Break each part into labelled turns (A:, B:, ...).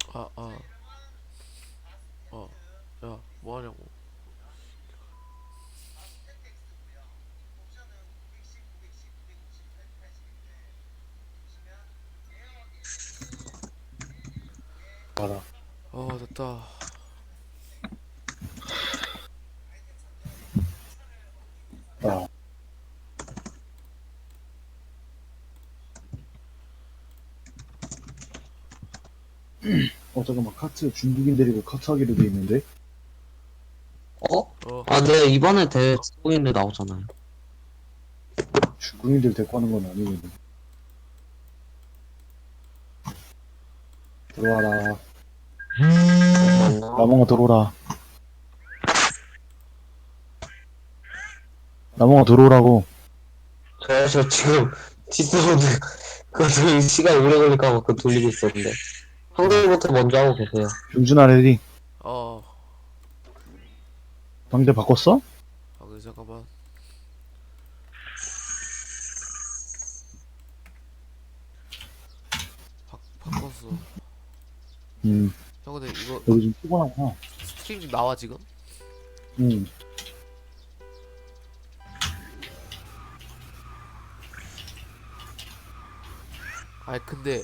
A: 아, 아, 야, 뭐 하냐고.
B: 알아.
A: 됐다.
B: 야, 잠깐만. 카트 중국인 데리고 카트하기로 돼 있는데?
C: 어?
A: 어,
C: 아, 네, 이번에 대회 중국인들 나오잖아요.
B: 중국인들 데리고 하는 건 아니거든. 들어와라.
C: 잠깐만요.
B: 나몽아 들어오라. 나몽아 들어오라고.
C: 저 지금 디스모드 그거 시간 오래 걸릴까 봐 그거 돌리고 있었는데.
B: 어,
C: 형들부터 먼저 하고 계세요.
B: 병준아 레디.
A: 어,
B: 방대 바꿨어?
A: 그래, 잠깐만. 바꿨어.
B: 음,
A: 형, 근데 이거
B: 여기 좀 피곤하구나.
A: 스트림 좀 나와, 지금?
B: 음,
A: 아니, 근데,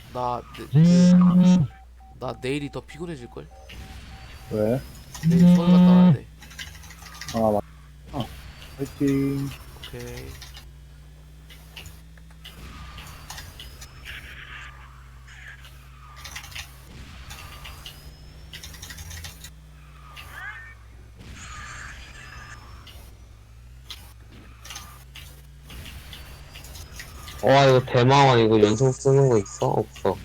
A: 나 내일이 더 피곤해질걸?
B: 왜?
A: 내일 서울 갔다 와야 돼.
B: 아, 맞 파이팅.
A: 오케이.
C: 와, 이거 대마왕 이거 연속 쓰는 거 있어? 없어.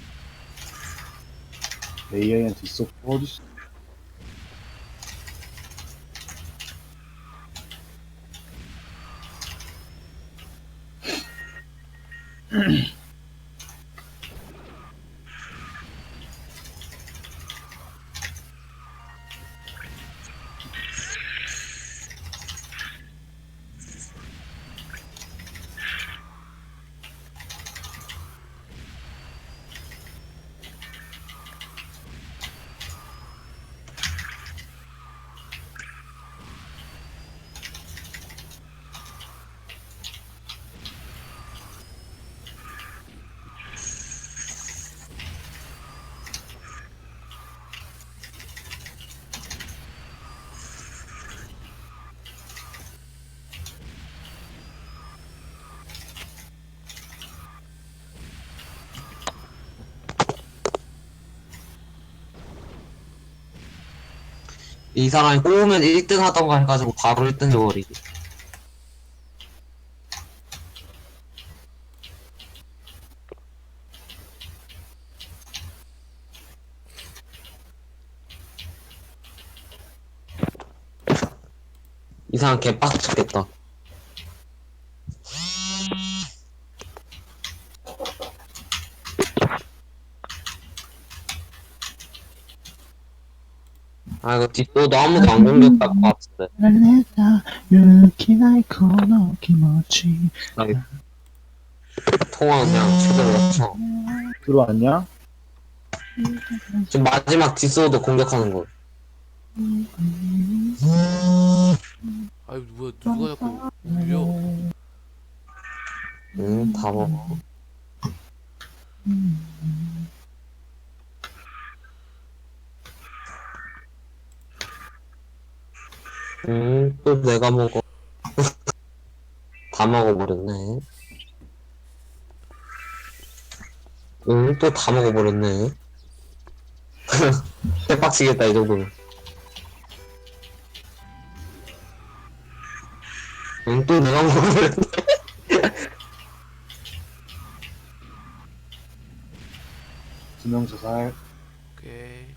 B: AI한테 있어. 어딨어?
C: 이 사람이 뽑으면 1등 하던가 해가지고 바로 1등 해버리기. 이 사람 개빡쳤겠다. 아, 이거 뒷도도 아무도 안 공격할 것 같은데. 나 이거 통화 그냥 최대로 맞춰.
B: 들어왔냐?
C: 지금 마지막 디스오도 공격하는 거.
A: 아이, 뭐야, 누가 자꾸 울려?
C: 응, 다 먹어. 응, 또 내가 먹어. 다 먹어버렸네. 응, 또 다 먹어버렸네. 대박치겠다, 이 정도면. 응, 또 내가 먹어버렸네.
B: 두 명 자살.
A: 오케이.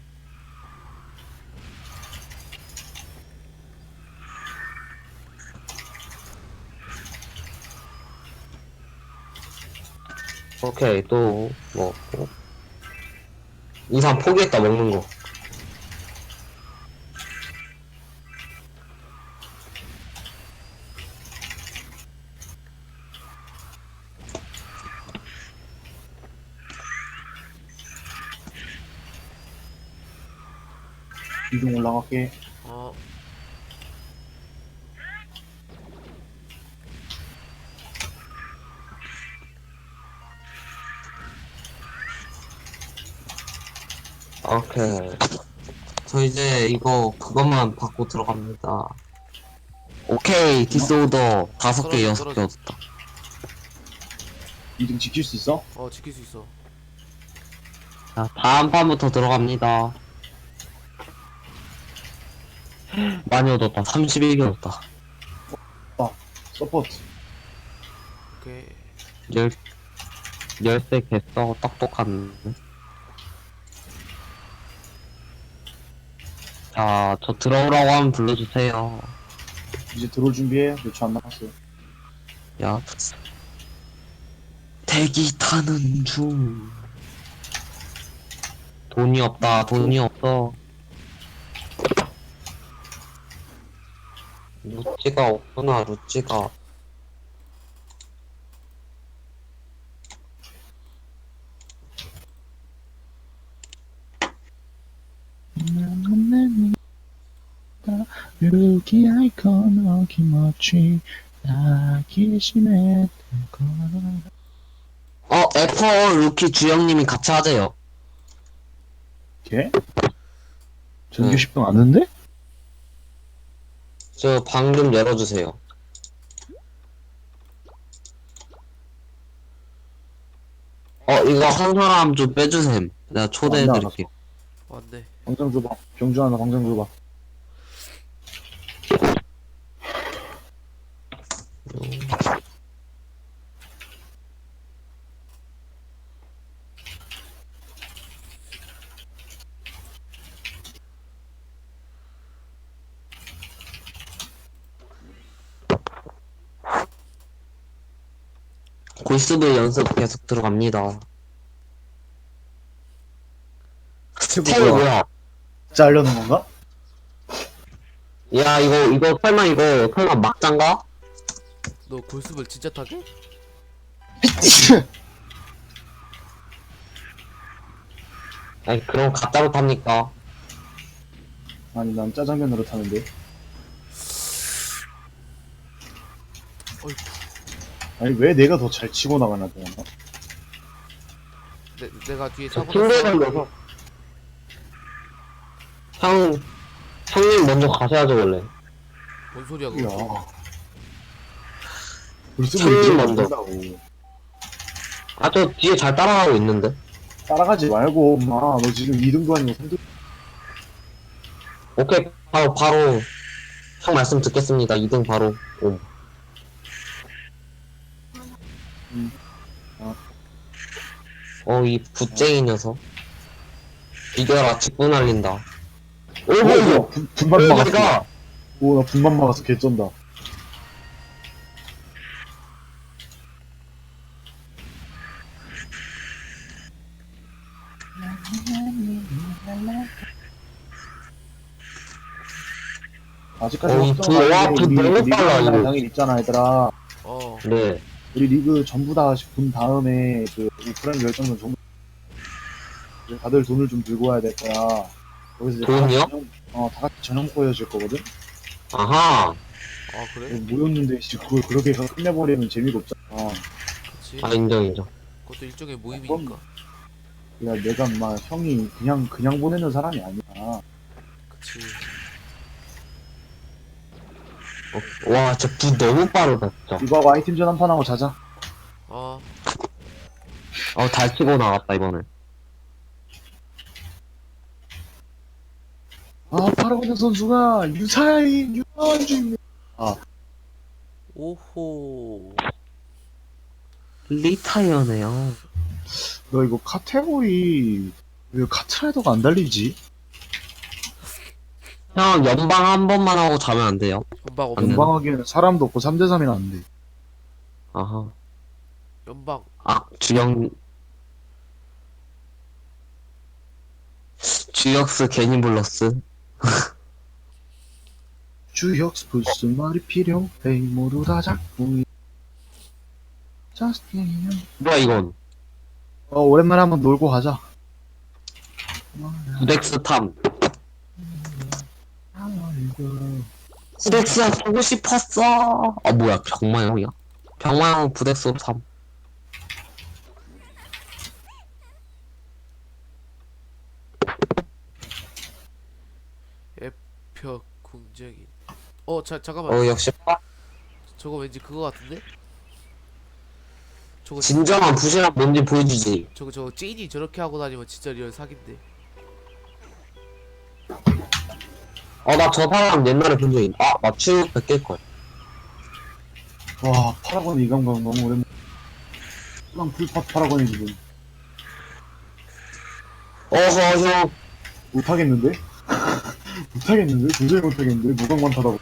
C: 오케이, 또 먹고. 이상 포기했다, 먹는 거.
B: 이동 올라갈게.
A: 어.
C: 오케이. 저 이제 이거 그것만 받고 들어갑니다. 오케이. 디스오더 5개,
A: 떨어져,
C: 6개
A: 떨어져.
C: 얻었다.
B: 이등 지킬 수 있어?
A: 어, 지킬 수 있어.
C: 자, 다음 판부터 들어갑니다. 많이 얻었다. 31개 얻었다.
B: 서포트.
A: 오케이.
C: 열쇠 개써 똑똑한. 자, 저 들어오라고 하면 불러주세요.
B: 이제 들어올 준비해. 몇 초 안 남았어.
C: 야. 대기 타는 중. 돈이 없다. 돈이 없어. 루찌가 없구나. 루찌가.
B: 여기 아이콘 어김없이 나기 심했던
C: 애퍼 루키 주영님이 같이 하재요.
B: 걔? 전교 10등 아는데?
C: 저 방금 열어주세요. 이거 한 사람 좀 빼주셈. 내가 초대해드릴게.
A: 왔네.
B: 광장 줘봐. 병주 하나 광장 줘봐.
C: 골스도 연습 계속 들어갑니다. 스텝 뭐야?
B: 짜려는 건가?
C: 야, 이거 설마 막장가?
A: 너 골습을 진짜 타게?
C: 아니, 그럼 가짜로 탑니까?
B: 아니 난 짜장면으로 타는데.
A: 어이,
B: 아니 왜 내가 더 잘 치고 나가나 보나?
A: 내가 뒤에
C: 저
A: 차고
C: 팀대 걸려서. 형님 먼저 가셔야죠, 원래.
A: 뭔 소리야, 그거.
B: 야. 벌써
C: 형님
B: 이제
C: 먼저.
B: 만든다고.
C: 아, 저 뒤에 잘 따라가고 있는데.
B: 따라가지 말고 엄마 너 지금 2등도 아니고 3등.
C: 오케이, 바로, 형 말씀 듣겠습니다. 2등 바로. 옴. 이 붓쟁이 녀석. 이겨라, 직분 날린다. 오호!
B: 분만 막았어.
C: 내가!
B: 오나 분만 막아서 개쩐다. 아직까지
C: 이
B: 확정 안
C: 와,
B: 돼.
C: 붓 너무
B: 리그
C: 빨라, 이거.
B: 당일 있잖아 얘들아.
A: 어.
C: 네.
B: 우리 리그 전부 다 본 다음에 그 오프라인 결정전 전부 다들 돈을 좀 들고 와야 될 거야. 거기서 이제
C: 돈이요?
B: 다 같이 저녁 보여줄 거거든.
C: 아하.
A: 아, 그래?
B: 모였는데 씨, 그걸 그렇게 끝내버리면 재미가 없잖아.
A: 그치.
C: 아, 인정.
A: 그것도 일종의 모임이니까.
B: 야 내가 막 형이 그냥 보내는 사람이 아니야.
A: 그치.
C: 와, 진짜 붓 너무 빠르다, 진짜.
B: 이거 하고 아이템전 한 판 하고 자자.
A: 어.
C: 잘 치고 나갔다, 이번에.
B: 아 파라곤 선수가 유사인 유한주입니다.
A: 오호.
C: 리타이어네요.
B: 너 이거 카테고리 왜 카트라이더가 안 달리지?
C: 형, 연방 한 번만 하고 자면 안 돼요?
A: 연방
C: 안
A: 없어.
C: 되나?
B: 연방하기에는 사람도 없고 3대3이나 안 돼.
C: 아하.
A: 연방.
C: 주역스 괜히 불렀어.
B: 주역스 무슨 말이 필요해 모두 다 잡고
C: 뭐야, 이건?
B: 오랜만에 한번 놀고 가자.
C: 부덱스 탐. 부덱스야 보고 싶었어. 아 뭐야 병마형이야? 병마형 부덱스로 3.
A: 애표 궁정인. 잠깐만.
C: 어 역시
A: 저거 왠지 그거 같은데? 저거
C: 진정한 부실한 뭔지 보여주지.
A: 저거 찐이 저렇게 하고 다니면 진짜 리얼 사기인데.
C: 나 저 사람 옛날에 본 적 있. 맞추 100개걸.
B: 와, 파라곤 이 감각 너무 오랜만에. 그냥 풀팟 파라곤이 지금.
C: 형.
B: 못하겠는데? 못하겠는데? 도저히 못하겠는데? 무광만 타다고.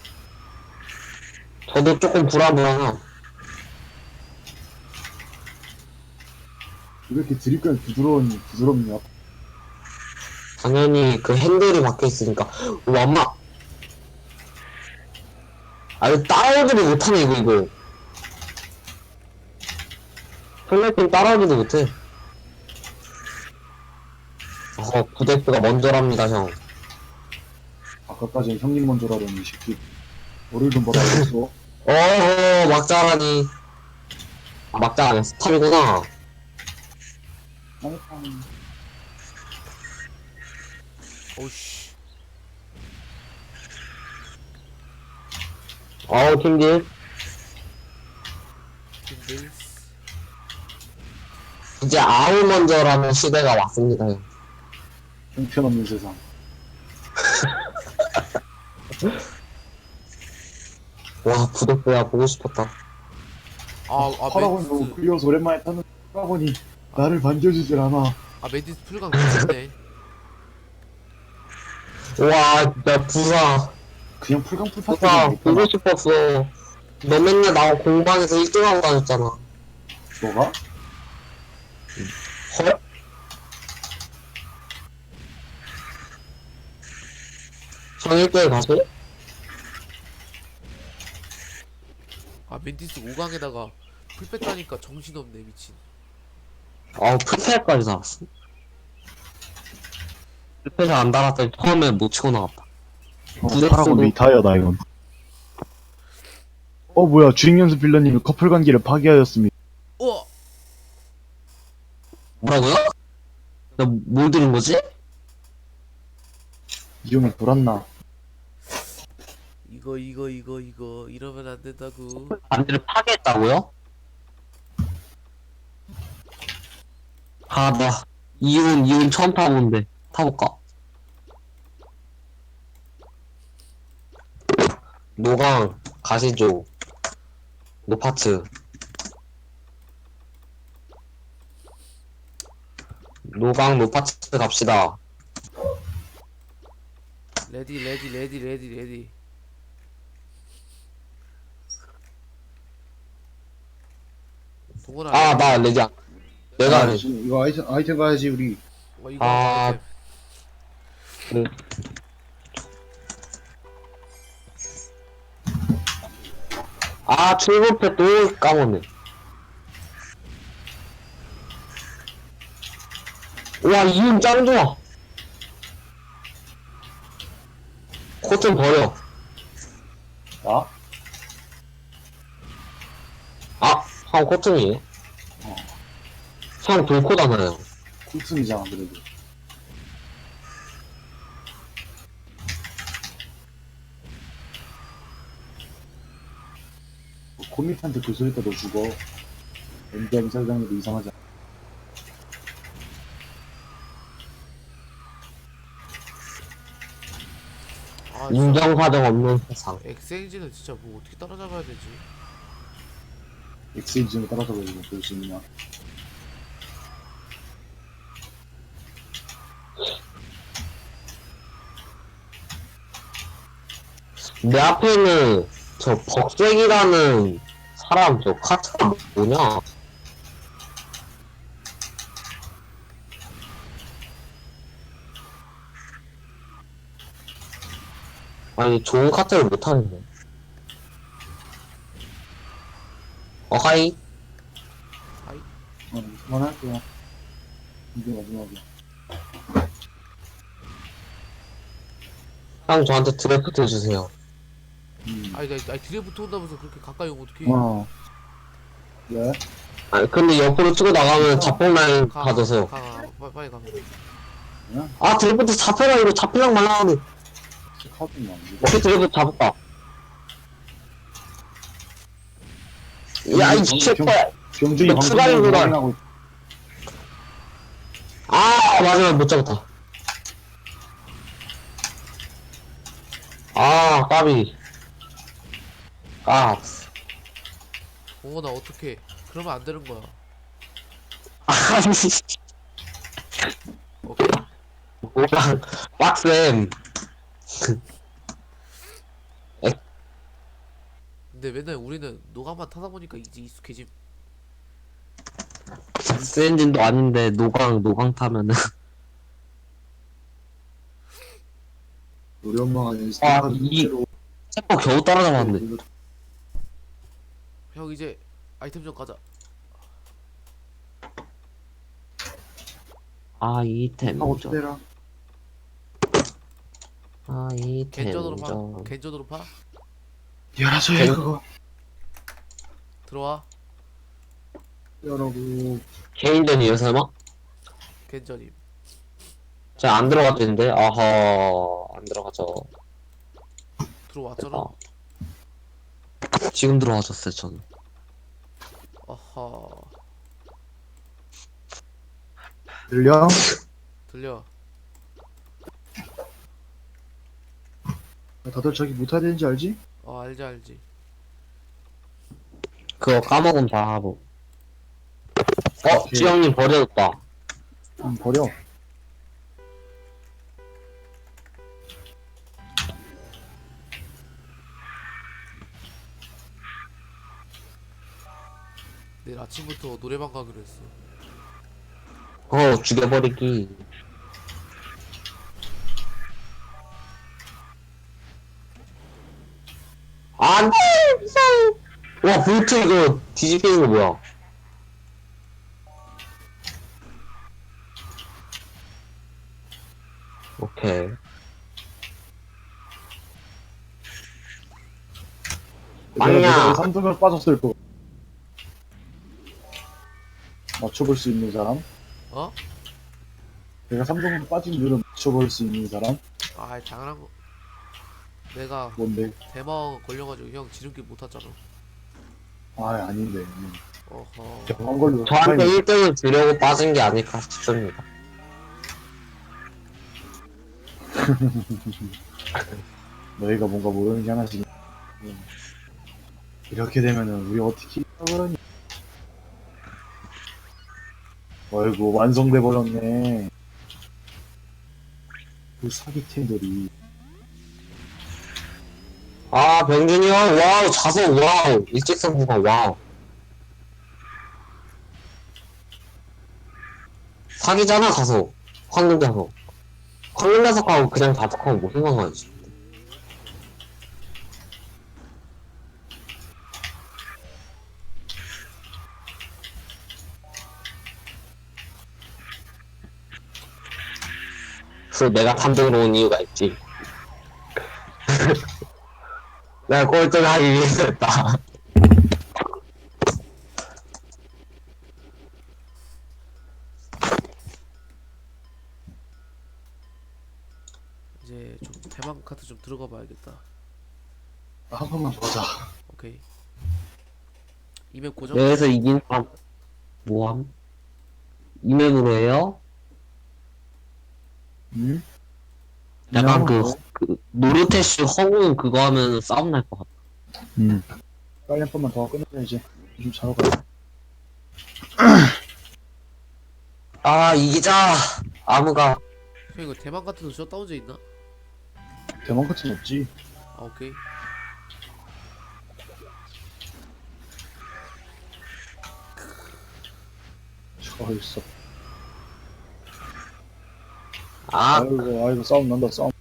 C: 저도 조금 불안불안함.
B: 왜 이렇게 드립까지 부드럽냐?
C: 당연히 그 핸들이 박혀있으니까. 엄마. 이거 따라오지도 못하네, 이거. 플랫핀 따라오지도 못해. 부덱스가 먼저랍니다, 형.
B: 아까까지 형님 먼저라더니 이 새끼. 너를 좀 받아야겠어.
C: 막자라니. 막자 아니야, 스탑이구나.
A: 어우씨.
C: 팀딜.
A: 근데
C: 이제 아우 먼저라는 시대가 왔습니다, 형.
B: 형편없는 세상.
C: 와, 부덱스야, 보고 싶었다.
B: 파라곤이 너무
A: 멘디스.
B: 끌려서 오랜만에 타는 파라곤이 나를 반겨주질 않아.
A: 멘디스 풀강 미쳤네.
C: 와, 진짜 부사.
B: 그냥 풀강 풀팟
C: 부사,
B: 못
C: 보고
B: 타나?
C: 싶었어. 너 맨날 나와 공방에서 1등하고 다녔잖아.
B: 너가?
C: 헐? 형 1대1 가수?
A: 멘디스 5강에다가 풀 뺐다니까 정신없네 미친.
C: 풀패까지 달았어. 풀패를 안 달았더니 처음에 못 치고 나갔다.
B: 파라곤 리타이어다 이건. 뭐야 주행연수 빌런님이 커플 관계를 파기하였습니다.
C: 뭐라고요? 나 뭘 들은 거지?
B: 이 형이 돌았나?
A: 이거 이러면 안 된다고.
C: 반대를 파괴했다고요? 나 이온 처음 타보는데 타볼까? 노강 가시죠. 노파츠. 노강 노파츠 갑시다.
A: 레디. 동원아.
C: 나 레디 안. 내가 레디.
B: 이거 아이템 가야지 우리.
A: 이거
C: 아.
A: 아이템.
C: 그래. 출근패 또 까먹네. 와, 이윤 짱 좋아. 코튼 버려.
B: 나?
C: 형 코튼이에요? 형 돌코잖아요.
B: 쿨튼이잖아 그래도. 코밋한테 그 소리 때너 죽어. 엔디아미 사장님도 이상하지 않아.
C: 인정사정 없는 세상.
A: 엑스엔진은 진짜 뭐 어떻게 따라잡아야 되지?
B: 엑스엔진을 따라서 가지고 볼 수 있냐.
C: 내 앞에는 저 벅색이라는 사람 저 카트가 뭐냐? 아니 좋은 카트를 못하는데. 하이.
B: 그만할게요. 이게 마지막이야.
C: 형 저한테 드래프트 주세요.
A: 아니 드래프트 온다면서 그렇게 가까이 오면 어떡해.
B: 어. 왜?
C: 아니 근데 옆으로 치고 나가면 자폭 라인 받으세요.
A: 빨리 가.
C: 아 드래프트 잡혀라 이거 잡히랑 말라는데.
B: 카드만.
C: 어떻게 드래프트 잡을까? 야이 새끼야.
B: 경준이
C: 너
B: 방금
C: 추가적으로
B: 확인하고
C: 아 마지막 못 잡았다. 아 까비. 아
A: 나 어떡해. 그러면 안 되는 거야.
C: 아니
A: 오케이.
C: 뭐랑 빡셈.
A: 근데 맨날 우리는 노가만 타다 보니까 이제 익숙해짐.
C: 엔진도 아닌데 노강 타면은
B: 우리 엄마가
C: 아, 세포 겨우 따라잡았는데.
A: 형 이제 아이템 좀 가자.
C: 아이템
B: 하고
C: 좀.
B: 때라.
C: 아이템
A: 겐전으로 파.
C: 좀.
A: 겐전으로 파.
B: 열어줘 해 그거.
A: 들어와.
B: 열어고.
C: 개인전이에요 설마?
A: 겐전임.
C: 자 안 들어갔는데 아하 안 들어가죠.
A: 들어왔잖아.
C: 아. 지금 들어가졌어요 저는.
A: 아하.
B: 들려?
A: 들려.
B: 다들 저기 못해야 되는지 알지?
A: 알지.
C: 그거 까먹으면 다 하고.
B: 오케이.
C: 지영님 버려졌다.
B: 버려.
A: 내일 아침부터 노래방 가기로 했어.
C: 죽여버리기. 안돼 무서워. 와 볼트 이거 뒤집히는 거 뭐야? 오케이. 아니야.
B: 내가 3등을 빠졌을 거. 맞춰볼 수 있는 사람?
A: 어?
B: 내가 3등으로 빠진 이유를 맞춰볼 수 있는 사람?
A: 당연한 거. 내가
B: 뭔데?
A: 대망 걸려가지고 형 지름길 못 탔잖아.
B: 아닌데.
A: 어허.
B: 병원 걸로
C: 저한테 1등을 주려고 빠진 게 아닐까 싶습니다.
B: 너희가 뭔가 모르는 게 하나씩. 이렇게 되면은 우리 어떻게 그러니? 어이구 완성돼 버렸네. 그 사기팀들이.
C: 병준이 형 와우 자석 와우 일직선 구간 와우. 사기잖아 가서 황금 자석. 황금 자석하고 그냥 자석하고 무슨 상관이지? 그래서 내가 탐정으로 온 이유가 있지. 내가 꼴등을 하기 위해서 했다.
A: 이제 좀 대망 카트 좀 들어가 봐야겠다.
B: 한 번만 보자.
A: 오케이. 이맵 고정.
C: 여기서 이긴 사람 뭐함? 이맵으로 해요?
B: 응?
C: 약간 그 노르테슈 허공 그거 하면 싸움 날 것 같아.
B: 응. 빨리 한 번만 더 끝내자 이제. 좀 자러 가.
C: 이기자. 아무가.
A: 형 이거 대망 카트도 셧다운제 있나?
B: 대만 같은 없지.
A: 오케이.
B: 저 있어.
C: 아,
B: 아이고 싸움 난다 싸움.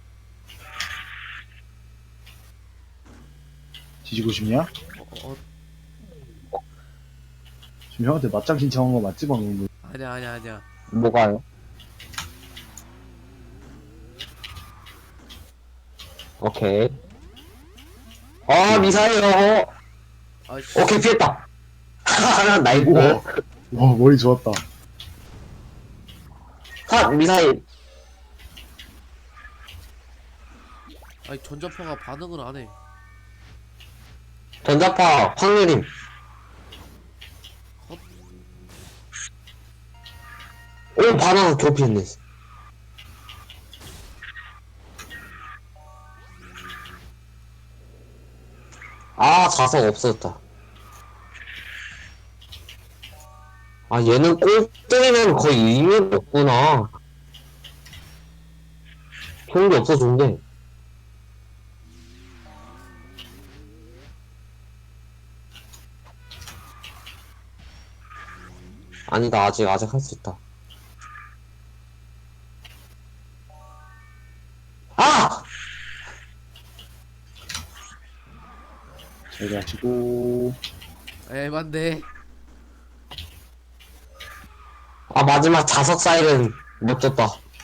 B: 뒤지고 싶냐? 지금 형한테 맞짱 신청한 거 맞지 방금?
A: 아니야.
C: 뭐가요? 오케이. 아, 미사일, 어.
A: 아이씨.
C: 오케이, 피했다. 나이스.
B: 우와. 와, 머리 좋았다.
C: 컷, 미사일.
A: 아니 전자파가 반응을 안 해.
C: 전자파, 확률임.
A: 컷.
C: 오, 바나나 드롭했네. 아, 자석 없어졌다. 아, 얘는 꼴등이면 거의 의미가 없구나. 좋은 게 없어, 좋은 게. 아니다, 아직 할 수 있다. 아!
B: 잘 가시고.
A: 에반데.
C: 아, 마지막 자석 사이렌 못 줬다.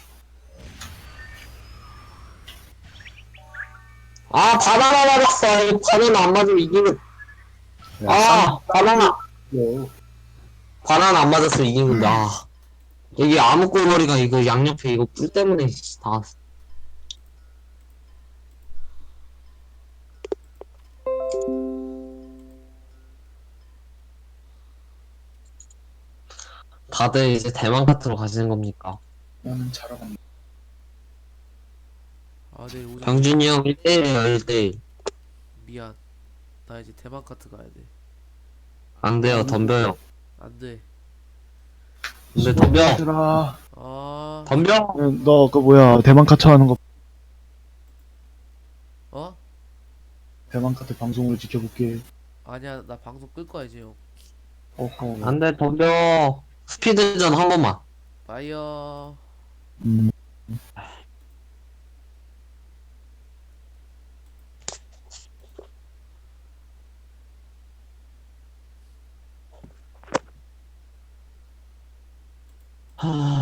C: 아, 바나나 맞았어. 이 바나나 안 맞으면 이기는.
B: 야,
C: 아, 바나나.
B: 쌍.
C: 바나나 안 맞았으면 이긴 건데, 아. 이게 아무꼴머리가 이거 양옆에 이거 뿔 때문에 다. 다들 이제 대만 카트로 가시는 겁니까?
B: 나는 잘하겠네.
A: 아 내일 오전.
C: 병준이 형 1대1이에요, 1대1.
A: 미안. 나 이제 대만카트 가야 돼.
C: 안 돼요, 덤벼요.
A: 안 돼.
C: 근데 덤벼.
B: 얘들아.
A: 아.
C: 덤벼.
B: 너, 그 뭐야, 대만 카트 하는 거,
A: 어?
B: 대만 카트 방송으로 지켜볼게.
A: 아니야 나 방송 끌 거야 이제 형.
B: 어허.
C: 안 돼, 덤벼. 스피드전 한 번만.
A: 바이어.
B: 음.
C: 하...